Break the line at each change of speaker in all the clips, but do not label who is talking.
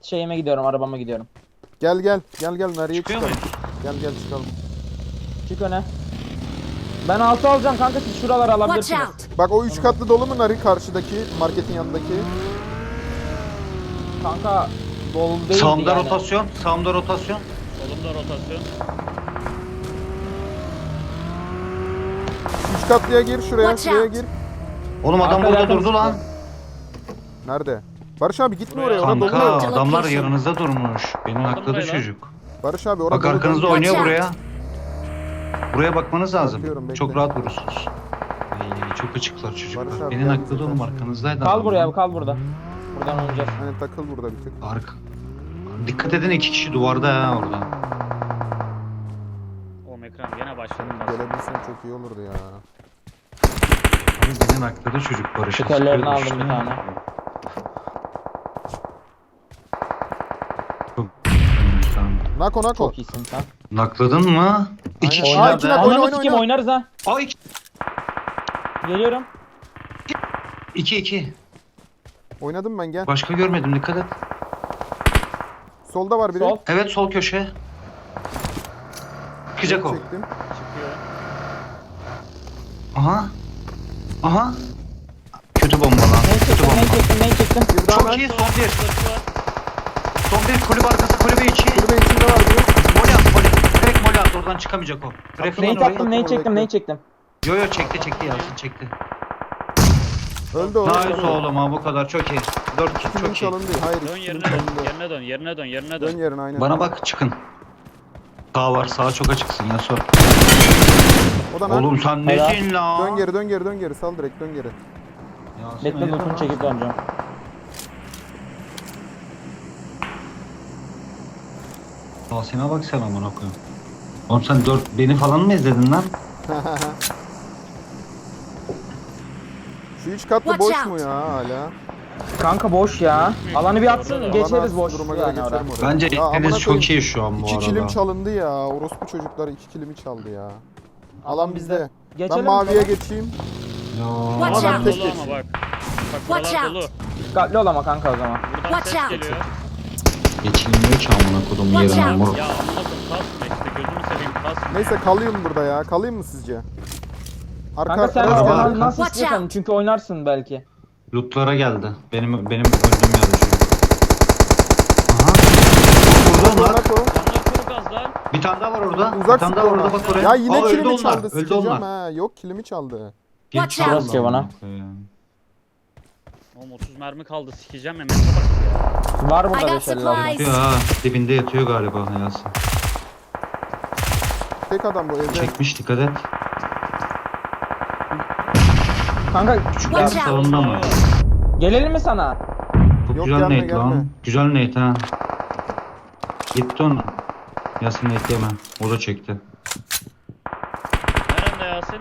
şeyime gidiyorum, arabama gidiyorum.
Gel gel. Gel gel nereye
Çıkıyor
çıkalım?
muyuz?
Gel gel çıkalım.
Çık öne. Ben 6 alacağım kanka, siz şuraları
Watch
alabilirsiniz.
out!
Bak o 3 katlı dolu mu Nari karşıdaki marketin yanındaki?
Kanka dolu değil
Sağımda
yani.
rotasyon. Sağımda rotasyon.
Solumda rotasyon.
3 katlıya gir şuraya,
Watch
şuraya
out.
gir.
Oğlum adam
Arka
burada
yakın
durdu lan.
Nerede? Barış abi gitme
Buraya.
oraya. Orada
Kanka
dolu.
Location.
adamlar yanınızda durmuş. Beni
Aldım
hakladı
burayı lan.
çocuk.
Barış abi orada
Bak
dolu,
arkanızda
dolu.
oynuyor
Watch
buraya. Buraya bakmanız lazım.
Bakıyorum, bekle.
Çok rahat vurursunuz. Ay, çok açıklar çocuklar.
Barış abi
Beni
gel
nakladı
bize
oğlum
karşı.
arkanızdaydı.
Kal
adam
buraya,
lan.
kal burada. Buradan oynayacağız.
Hani takıl burada bir tık.
Arka. Dikkat edin 2 kişi duvarda ha orada.
Oğlum ekran gene başladı.
Gelebilsen çok iyi olurdu ya.
Abi beni nakladı çocuk Barış'a.
Şekerlerini
sıkıyordu
aldım
işte.
bir tane.
Çok tamam.
Nako Nako.
Çok iyisin sen.
Nakladın mı? İki kişi
Aynen. Aa, iki
nerede?
nak- Oyna,
Ananı
oyna,
sikeyim,
oyna.
oynarız ha.
Ay
Geliyorum.
2-2.
Oynadım ben gel.
Başka görmedim dikkat et.
Solda var biri.
Sol.
Evet sol köşe. Çıkacak o.
Çektim.
Çıkıyor.
Aha. Aha. Kötü bomba lan.
Neyi
Kötü
çektim, neyi
bomba.
çektim, neyi çektim.
Bir daha
Çok
ben.
iyi son bir.
Burası var.
Son bir kulüp arkası kulübe içi.
Kulübe içinde var biri.
Mol at mol. Direkt mol at oradan çıkamayacak o. Bırakın
Neyi
lan orayı.
taktım, neyi
Orayı
çektim, neyi çektim.
Yo yo çekti Yasin çekti.
Öldü o.
Nice
öldü.
oğlum ha bu kadar çok iyi. 4
İki
çok
kilim
iyi.
çalındı. Hayır.
Dön
iki kilim
yerine dön.
çalındı.
Yerine dön. Yerine dön. Yerine
Dön
dön.
yerine aynen.
Bana bak çıkın. Sağ var sağa çok açıksın ya sor.
O da lan.
Oğlum sen
Helal.
nesin lan?
Dön geri dön geri dön geri. Sal direkt dön geri.
Yasin,
Bekle
hayırdır
lootunu
lan?
çekip döneceğim.
Yasin'e bak sen amına koyayım. Oğlum sen 4 beni falan mı izledin lan?
Şu 3 katlı
Watch
boş mu
out.
ya hala?
Kanka boş ya. Alanı bir atsın,
Orada da.
geçeriz
Bana
boş
duruma göre
yani oraya.
geçerim oraya.
Bence
Ya amına
ikiniz çok
koyayım.
iyi şu an bu
2
arada.
kilim çalındı ya. Orospu çocuklar 2 kilimi çaldı ya. Alan bizde.
Geçelim
Ben maviye
mi?
geçeyim.
Ya.
Watch
Buralar
out.
dolu
Tek
ama bak. Bak
Watch
buralar
out.
dolu.
Dikkatli ol ama kanka o zaman.
Buradan
Watch
ses
out.
geliyor.
Geçilmiyor ki amına kodum
Watch
yerinden
out.
moruk.
Ya amına koyayım kasma işte. Gözünü seveyim kasma.
Neyse kalayım burada ya. Kalayım mı sizce?
Kanka sen
Araba,
sen
arka.
nasıl
Watch
istiyorsan
out.
çünkü oynarsın belki.
Lootlara geldi. Benim öldüğüm yerde çünkü. Aha. Burada onlar.
Nako.
Onlar kuru gaz lan.
Bir tane daha var orada.
Uzak
bir tane daha var
sıkı
orada
ona.
bak oraya.
Ya yine
Aa, öldü
kilimi
onlar.
çaldı.
Öldü
Sikeceğim
onlar.
ha. Yok kilimi çaldı.
Watch
Geçti
out.
Allah
Ki bana.
amına koyayım.
Oğlum 30 mermi kaldı. Sikeceğim Mehmet'e bak ya.
Var
I
burada
got
550 lazım.
supplies.
Yatıyor ha. Dibinde yatıyor galiba Yasin.
Tek adam bu evde.
Çekmiş dikkat et.
Kanka
Küçük
Watch
bir
out.
salonda mı?
gelelim mi sana?
Çok
Yok,
güzel
gelme,
nate
gelme.
lan. Güzel nate ha. Gitti onu. Yasin nate yeme. O da çekti.
Nerede Yasin?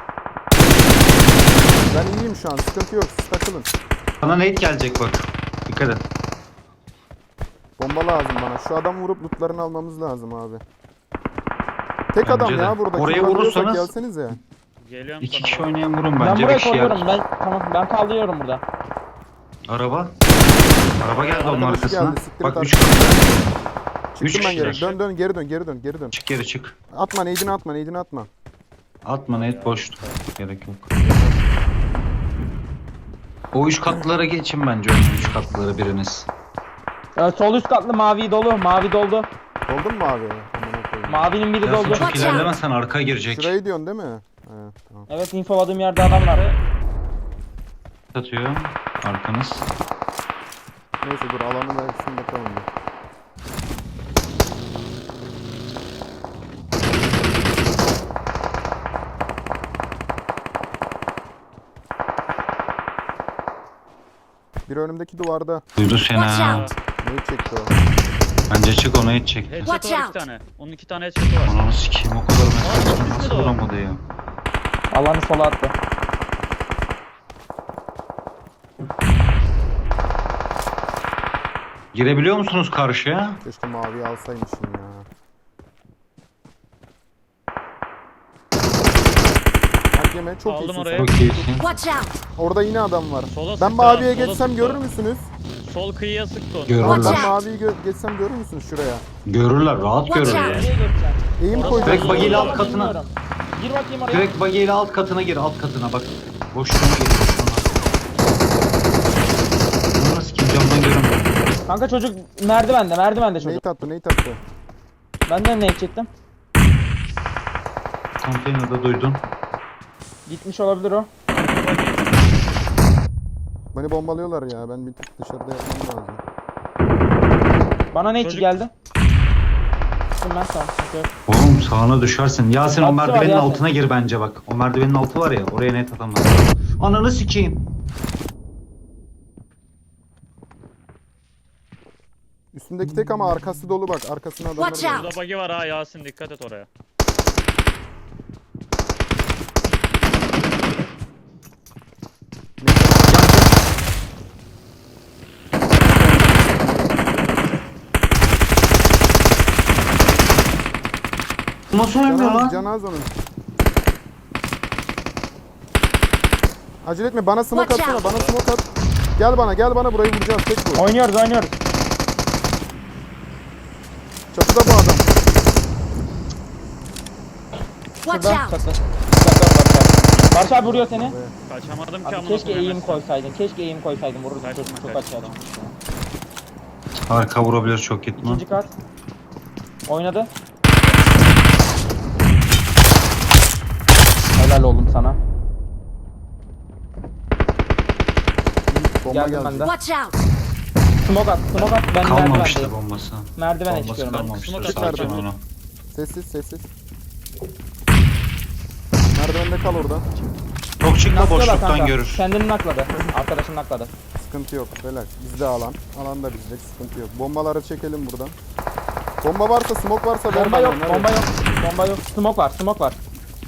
Ben iyiyim şu an. Sıkıntı yok. Siz takılın.
Sana nate gelecek bak. Dikkat et.
Bomba lazım bana. Şu adamı vurup lootlarını almamız lazım abi. Tek
Bence
adam
de.
ya burada.
Oraya
Kullanıyorsak
vurursanız-
Gelsenize.
Geliyorum
İki
sana.
kişi oynayan vurun
Ben
bence. Bir
buraya
kişi
koyuyorum.
yer.
Ben kaldırıyorum burada.
Araba. Araba geldi onun
Arkadaşı
arkasına.
geldi, siktir
Bak
et
3
arkadaşı.
katlı. Üç
Çıktım ben geri.
kişiler.
Dön geri dön geri dön geri dön.
Çık geri çık.
Atma neydini atma neydini atma.
Atma nate boştu. Gerek yok. O 3 katlılara geçin bence. 3 katlılara biriniz.
Sol üst katlı mavi dolu. Mavi doldu.
Oldu mu abi? Amına koyayım.
Mavinin biri
Yasin
doldu.
çok
Watch out.
ilerlemezsen arka girecek.
Şurayı diyorsun değil mi? Evet tamam.
Evet, infoladığım yerde adam var.
Atıyor. Arkanız.
Neyse dur alanı versin bakalım bir. Bir önümdeki duvarda.
Duydu seni
Watch
ha.
out.
Neyi çekti o?
Bence çık onu hiç çekti.
Headshot
Watch
var
out.
2 tane. Onun 2 tane headshot'u var.
Ananı sikeyim o kadar mesaj
düşmedi
nasıl
o.
vuramadı ya.
Alanı sola attı.
Girebiliyor musunuz karşıya?
Keşke maviyi alsaymışım ya. yeme. Çok
Aldım
iyisin
oraya.
sen.
Çok iyisin.
Watch out!
Orada yine adam var.
Sola
Ben
sıktı
maviye
ha, sola
geçsem
sıktı.
görür müsünüz?
Sol kıyıya sıktı onu.
Görürler.
Watch
Ben
out.
maviyi geçsem görür müsünüz şuraya?
Görürler, rahat
Watch
görürler.
out.
Nereye geçeceksin?
Eğim
Orası
koyacağım.
Direkt bagiyle alt katına.
Bilmiyorum. Gir bakayım oraya.
Direkt bagiyle alt katına gir, alt katına bak. Boşluğuna gir, boşluğuna. Bunu nasıl kim camdan görünmüyor.
Kanka çocuk merdivende çocuk.
Nate attı.
Ben de ne çektim?
Konteynerde duydun.
Gitmiş olabilir o.
Beni bombalıyorlar ya. Ben bir tık dışarıda yapmam lazım.
Bana ne
Çocuk-
geldi? Gittim ben tamam. sıkıntı yok.
Oğlum sağına düşersin. Yasin o
Altı var
merdivenin
Yasin.
altına gir bence bak. O merdivenin altı var ya, oraya net atamaz. Ananı sikeyim.
Üstündeki tek ama arkası dolu bak. Arkasına adamlar
Watch
var.
out.
Burada bug'i var ha Yasin, dikkat et oraya.
Nasıl oynuyor lan?
Canaz onun. Acele etme, bana smoke
Watch
atsana,
out.
bana smoke at. Gel bana burayı vuracağız, tek bu.
Oynuyoruz.
Çatıda bu adam.
Watch
Şurada
out!
çatı. Barış abi vuruyor seni.
Kaçamadım ki
Abi
amına
keşke
koyayım
eğim
hemen.
koysaydın. Vururdu
Kaçma,
çocuk çok
kaçma.
açığa çıkmıştı.
Arka vurabilir çok gitme.
İkinci kat. Oynadı. Helal oldum sana.
Bomba
Geldim
geldi.
ben de.
Watch out!
Smoke at. Ben
Kalmamıştı
merdivendeyim.
bombası.
Merdivene
Bombası
çıkıyorum ben.
kalmamıştır.
Smoke
Sakin
atardım.
onu.
Sessiz. Merdivende kal orada.
Çok çıkma
Naklıyorlar
boşluktan
kanka.
görür.
Kendini nakladı. Arkadaşını nakladı.
Sıkıntı yok, relax. Bizde alan. Alan da bizde, sıkıntı yok. Bombaları çekelim buradan. Bomba varsa, smoke varsa ver
Bomba
bana,
yok.
nerede?
Bomba yok. Smoke var.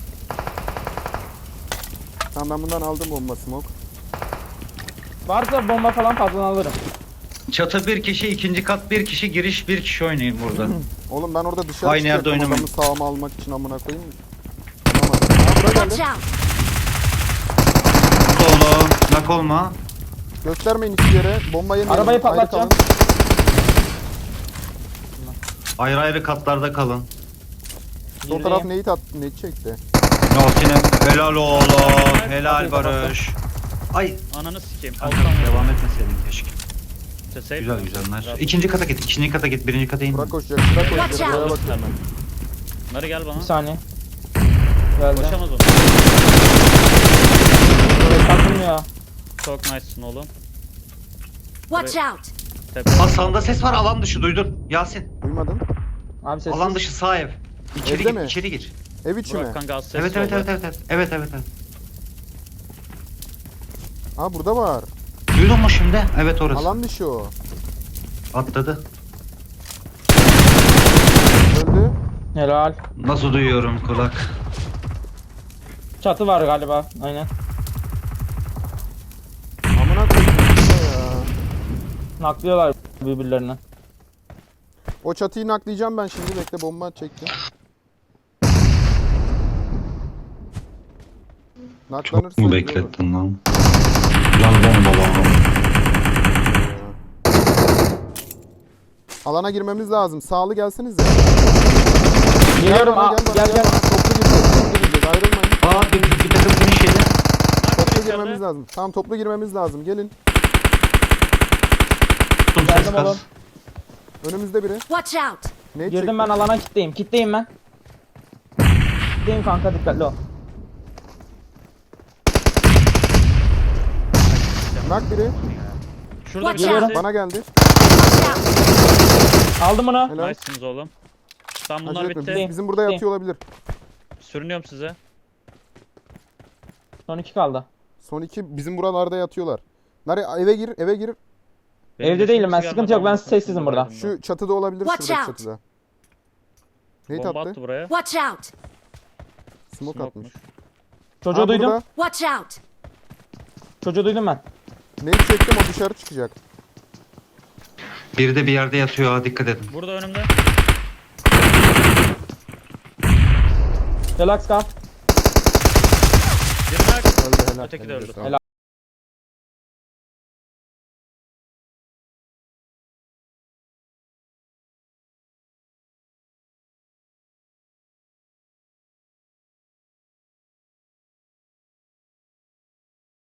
Tamam, ben bundan aldım bomba, smoke.
Varsa bomba falan fazla alırım.
Çatı bir kişi, ikinci kat bir kişi, giriş bir kişi oynayın burada.
Oğlum ben orada dışarı
Aynı yerde
çıkacaktım,
oynamayın.
adamı sağıma almak için amına koyayım. Tamam. Aa, buraya
Watch
geldi.
out!
Solo, nak olma.
Göstermeyin hiçbir yere. Bomba yemeyin.
Arabayı
Ayrı
patlatacağım.
kalın.
Ayrı ayrı katlarda kalın.
Sol taraf Nate çekti.
Yasin'e helal oğlum, helal
Kapıyı
Barış. Ay,
Ananı sikeyim.
kanka
Alttan
devam etmeseydin keşke.
Safe.
Güzel nice. İkinci kata git, ikinci kata git, birinci kata in.
Bırak koşacak, bırak
Watch
koşacak. Buraya
out.
bakıyorum ben.
Bunları gel bana.
Bir saniye. Geldi.
Koşamaz onu.
Takılmıyor.
Çok nice'sın oğlum.
Watch out!
Tepe.
Hasan'da ses var, alan dışı duydun. Yasin,
Duymadın.
Abi sessiz.
alan dışı sağ ev. İçeri
Evde
gir,
mi?
içeri gir.
Ev içi mi?
Burak kanka az ses
Evet. Evet.
Aa, burada var.
Duydun mu şimdi? Evet orası.
Alan dışı o.
Atladı.
Öldü.
Helal.
Nasıl duyuyorum kulak?
Çatı var galiba. Aynen.
Amına koyayım ya.
Naklıyorlar birbirlerini.
O çatıyı naklayacağım ben şimdi. Bekle, bomba çektim. Naklanırsa
Çok mu
iyi olur.
beklettin lan? Can bomba lan.
Alana girmemiz lazım. Sağlı gelsenize.
Geliyorum.
bana,
Aa,
bana,
gel.
bana. Toplu gireceğiz. Ayrılmayın.
Aa bir takım finish yedi.
Toplu girmemiz lazım. Tamam, toplu girmemiz lazım. Gelin.
Tuttum ses
Geldim
kas.
oğlum.
Önümüzde biri.
Watch out!
Ne
Girdim ben alana kitleyim. Kitleyim ben. Kitleyim kanka dikkatli ol.
Nak biri.
Şurada bir
Watch out.
tanesi.
Bana geldi.
Watch out!
Aldım bunu.
Helal.
Nice'sınız oğlum. Tamam bunlar
Acele etme.
bitti.
Bizim burada
Bitti.
yatıyor olabilir.
Sürünüyorum size.
Son 2 kaldı.
Son iki bizim buralarda yatıyorlar. Nare, eve gir, eve gir.
Benim
Evde değilim ben,
yaşım
sıkıntı yok, ben
gelmedi,
sessizim
anasını
burada.
satayım
Şu çatıda olabilir,
Watch
şuradaki
out.
çatıda.
ben.
Nate
Bomba
attı.
attı buraya.
Watch out!
Smoke atmış.
Smoke'muş.
Çocuğu
Aa,
duydum.
burada.
Watch out!
Çocuğu duydum ben.
Nate çektim, o dışarı çıkacak.
Biri de bir yerde yatıyor ha, dikkat edin.
Burada önümde.
Relax kal.
Helal.
Öteki de
elinize
öldü.
sağlık.
Helal.